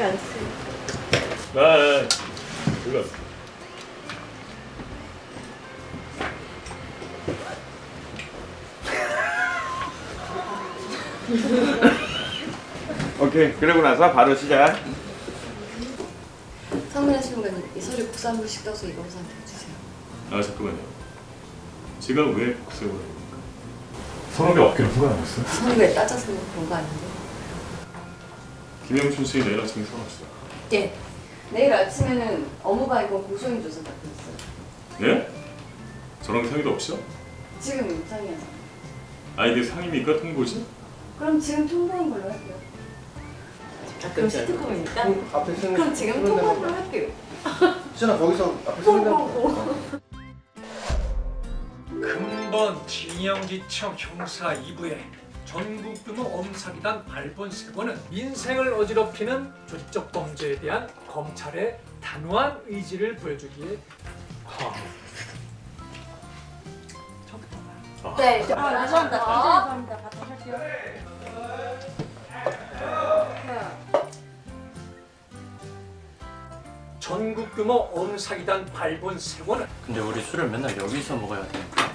앉으세요. 네. 불러. 오케이. 그러고 나서 바로 시작. 상문하시는 분 이 서류 국산물식 떠서 이범수한테 해주세요. 아 잠깐만요. 제가 왜 국세를 합니까? 서랍에 어깨를 후가 나왔어요? 서류에 따져서 그런 거 아닌데? 김영춘 씨 내일 아침에 사왔어요. 예. 내일 아침에는 업무방해권 고소인 조사 받고 있어요. 예? 저랑 상의도 없이요? 지금 상의하자. 아 이게 상의입니까? 통보지? 그럼 지금 통보한 걸로 할게요. 그럼 시트콤이니까? 앞에 쓰는 그럼 지금 통보한 걸로 할게요. 수진아 거기서 앞에 쓰는 거. 금번 진영지청 형사 2부의 전국규모 엄사기단 발본 세번은 민생을 어지럽히는 조직적 범죄에 대한 검찰의 단호한 의지를 보여주기에 네. 죄송합니다. 죄송합니다. 바탕 할게요. 전국규모 엄사기단 발본 세번은 근데 우리 술을 맨날 여기서 먹어야 되니까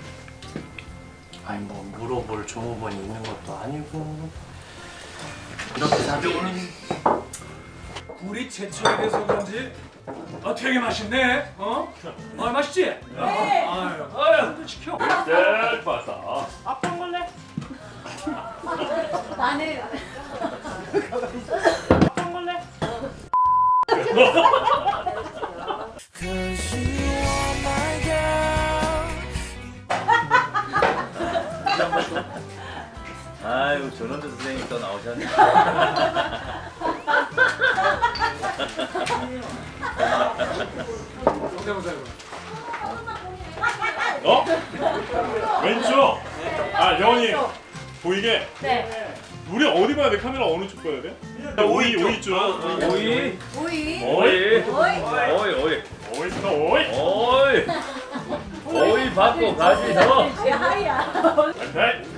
아니 뭐 물어볼 종업원이 있는 것도 아니고 이렇게 사정은 굴이 제철이 돼서 그런지 되게 맛있네. 맛있지? 네. 아유, 시켜. 네, 봤다. 아빠 먹을래? 나는 아빠 먹을래? 아유 전원주 선생님 또 나오셨네. 성대모사 해봐. 어? 왼쪽. 아 영원히 보이게. 네. 우리 어디 봐야 돼? 카메라 어느 쪽 봐야 돼? 오이 쪽. 오이 오이. 오이 오이. 오이 오이 또 오이. 오이 오이 받고 가시죠. 하이야. 네.